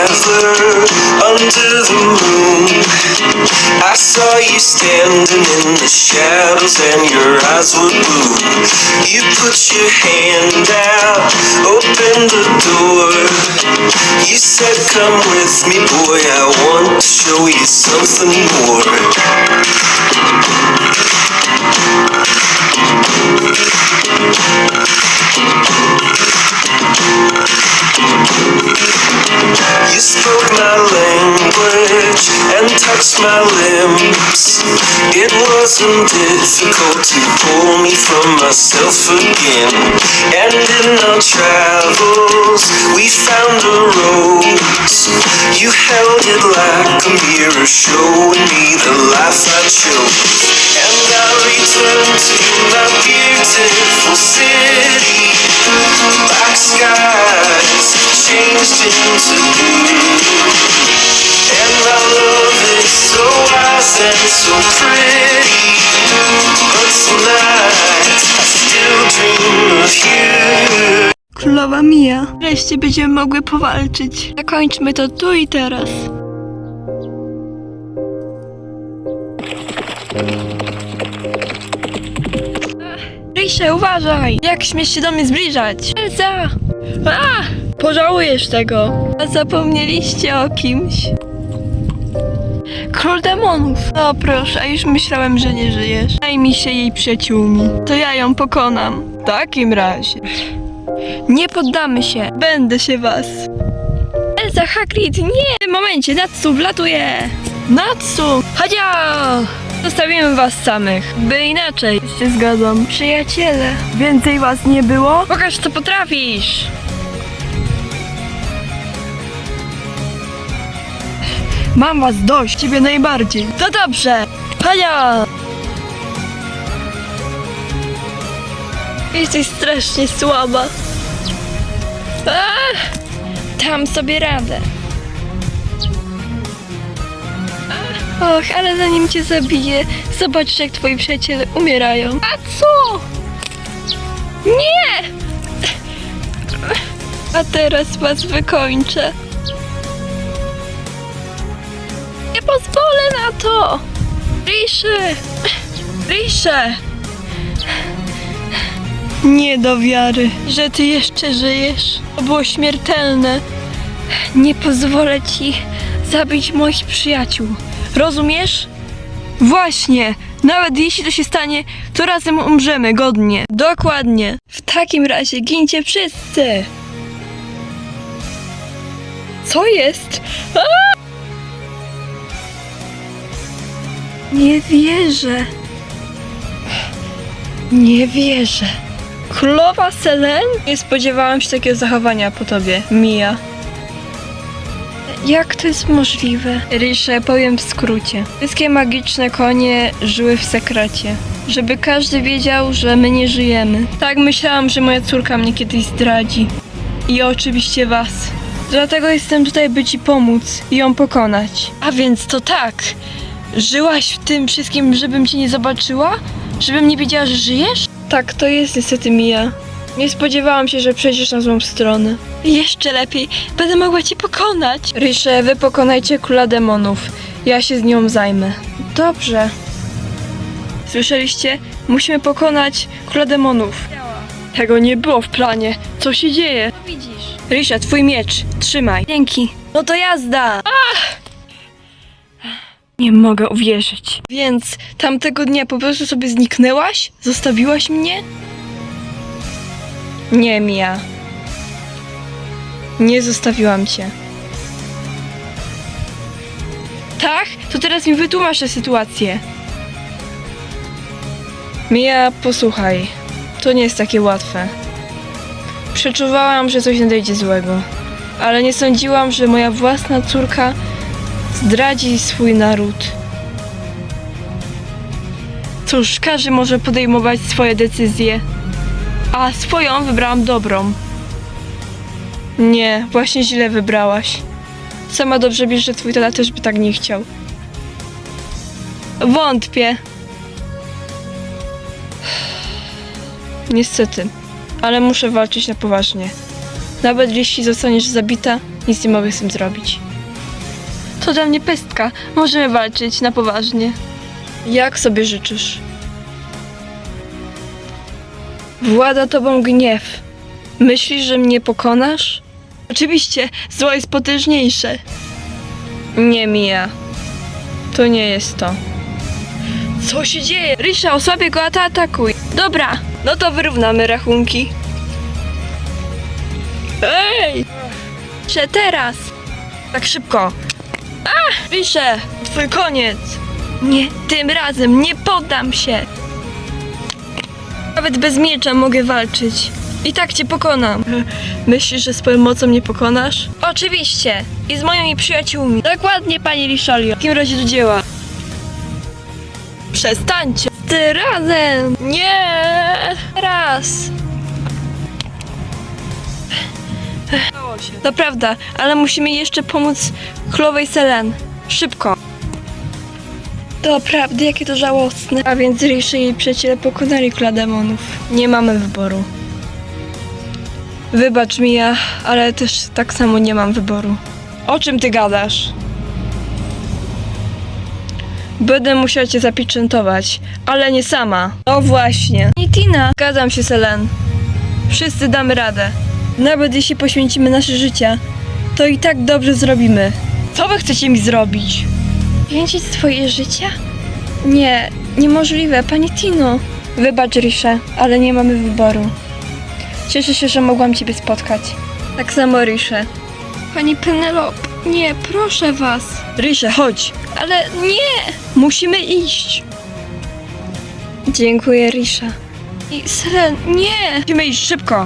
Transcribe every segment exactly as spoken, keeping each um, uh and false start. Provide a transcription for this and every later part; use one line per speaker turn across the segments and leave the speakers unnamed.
traveler under the moon. I saw you standing in the shadows and your eyes were blue. You put your hand out, opened the door. You said, come with me, boy, I want to show you something more. You spoke my language and touched my limbs. It wasn't difficult to pull me from myself again. And in our travels we found a rose. You held it like a mirror, showing me the life I chose. And I returned to my beautiful city. Black skies changed into blue. And our love is so wise and so pretty. But tonight I still dream of you.
Królowa Mia, wreszcie będziemy mogły powalczyć. Zakończmy to tu i teraz. Risze, uważaj! Jak śmiesz się do mnie zbliżać? Elsa! A! Pożałujesz tego. A zapomnieliście o kimś? Król demonów. No proszę, a już myślałem, że nie żyjesz. Zajmij się jej przyjaciółmi. To ja ją pokonam. W takim razie. Nie poddamy się. Będę się was. Elsa, Hagrid, nie! W tym momencie Natsu wlatuje. Natsu! Chodzia! Zostawimy was samych, by inaczej. Się zgadzam. Przyjaciele, więcej was nie było? Pokaż, co potrafisz! Mam was dość, ciebie najbardziej. To dobrze! Chodzia! Jesteś strasznie słaba. Ach, dam sobie radę. Och, ale zanim cię zabiję, zobacz, jak twoi przyjaciele umierają. A co? Nie! A teraz was wykończę. Nie pozwolę na to! Risze! Risze! Nie do wiary, że ty jeszcze żyjesz. To było śmiertelne. Nie pozwolę ci zabić moich przyjaciół. Rozumiesz? Właśnie! Nawet jeśli to się stanie, to razem umrzemy godnie. Dokładnie. W takim razie gincie wszyscy. Co jest? A! Nie wierzę. Nie wierzę. Królowa Selene? Nie spodziewałam się takiego zachowania po tobie, Mia. Jak to jest możliwe? Risze, powiem w skrócie. Wszystkie magiczne konie żyły w sekrecie. Żeby każdy wiedział, że my nie żyjemy. Tak myślałam, że moja córka mnie kiedyś zdradzi. I oczywiście was. Dlatego jestem tutaj, by ci pomóc i ją pokonać. A więc to tak. Żyłaś w tym wszystkim, żebym cię nie zobaczyła? Żebym nie wiedziała, że żyjesz? Tak, to jest niestety Mia. Nie spodziewałam się, że przejdziesz na złą stronę. Jeszcze lepiej, będę mogła cię pokonać. Risze, wy pokonajcie króla demonów. Ja się z nią zajmę. Dobrze. Słyszeliście? Musimy pokonać króla demonów. Tego nie było w planie. Co się dzieje? Widzisz. Risze, twój miecz. Trzymaj. Dzięki. No to jazda. Ach! Nie mogę uwierzyć. Więc tamtego dnia po prostu sobie zniknęłaś? Zostawiłaś mnie? Nie, Mia. Nie zostawiłam cię. Tak? To teraz mi wytłumacz tę sytuację. Mia, posłuchaj. To nie jest takie łatwe. Przeczuwałam, że coś nadejdzie złego. Ale nie sądziłam, że moja własna córka zdradzi swój naród. Cóż, każdy może podejmować swoje decyzje. A swoją wybrałam dobrą. Nie, właśnie źle wybrałaś. Sama dobrze wiesz, że twój tata też by tak nie chciał. Wątpię. Niestety, ale muszę walczyć na poważnie. Nawet jeśli zostaniesz zabita, Nic nie mogę z tym zrobić. To dla mnie pestka. Możemy walczyć na poważnie. Jak sobie życzysz? Włada tobą gniew. Myślisz, że mnie pokonasz? Oczywiście, zło jest potężniejsze. Nie, Mia. To nie jest to. Co się dzieje? Risha, osłabię go, a ty atakuj. Dobra, no to wyrównamy rachunki. Ej! Risha, teraz! Tak szybko. A! Risha, twój koniec. Nie, tym razem nie poddam się. Nawet bez miecza mogę walczyć. I tak cię pokonam. Myślisz, że swoją mocą mnie pokonasz? Oczywiście. I z moimi przyjaciółmi. Dokładnie, pani Rishalio. W takim razie do dzieła. Przestańcie. Ty razem. Nie. Raz. To prawda, ale musimy jeszcze pomóc królowej Selene. Szybko. To prawda, jakie to żałosne. A więc Risha i jej przyjaciele pokonali króla demonów. Nie mamy wyboru. Wybacz mi ja, ale też tak samo nie mam wyboru. O czym ty gadasz? Będę musiała cię zapieczętować, ale nie sama. No właśnie. I Tina. Zgadzam się, Selene. Wszyscy damy radę. Nawet jeśli poświęcimy nasze życia, to i tak dobrze zrobimy. Co wy chcecie mi zrobić? Poświęcić swoje życie? Nie, niemożliwe, pani Tino. Wybacz, Risha, ale nie mamy wyboru. Cieszę się, że mogłam ciebie spotkać. Tak samo, Risha. Pani Penelope, nie, proszę was. Risha, chodź. Ale nie! Musimy iść. Dziękuję, Risha. I Selene, nie! Musimy iść szybko.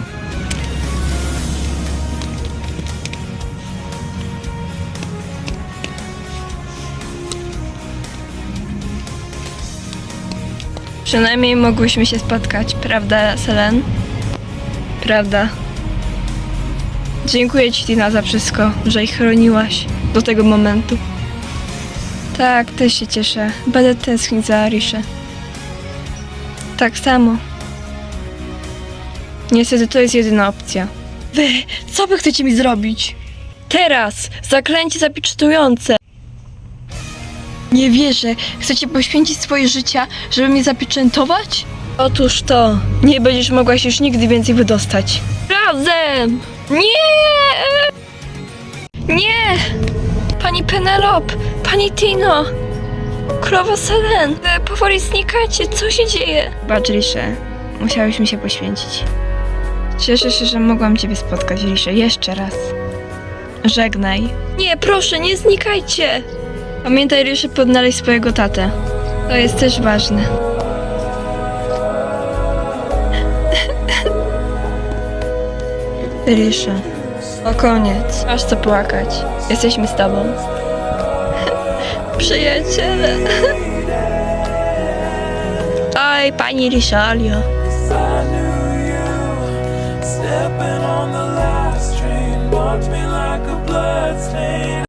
Przynajmniej mogłyśmy się spotkać, prawda, Selene? Prawda. Dziękuję ci, Tina, za wszystko, że ich chroniłaś do tego momentu. Tak, też się cieszę. Będę tęsknić za Riszę. Tak samo. Niestety to jest jedyna opcja. Wy, co wy chcecie mi zrobić? Teraz! Zaklęcie zapieczętujące! Nie wierzę. Chcecie poświęcić swoje życia, żeby mnie zapieczętować? Otóż to. Nie będziesz mogła się już nigdy więcej wydostać. Razem! Nie! Nie! Pani Penelope! Pani Tino! Królowa Selene! Wy powoli znikacie. Co się dzieje? Bacz, Risha. Musiałyśmy się poświęcić. Cieszę się, że mogłam ciebie spotkać, Risha. Jeszcze raz. Żegnaj. Nie, proszę, nie znikajcie! Pamiętaj, Risha, podnaleźć swojego tatę. To jest też ważne. Risha. O koniec. Masz co płakać. Jesteśmy z tobą. Przyjaciele. Oj, pani Rishalio. Stepping on the last train, marked me like a bloodstain.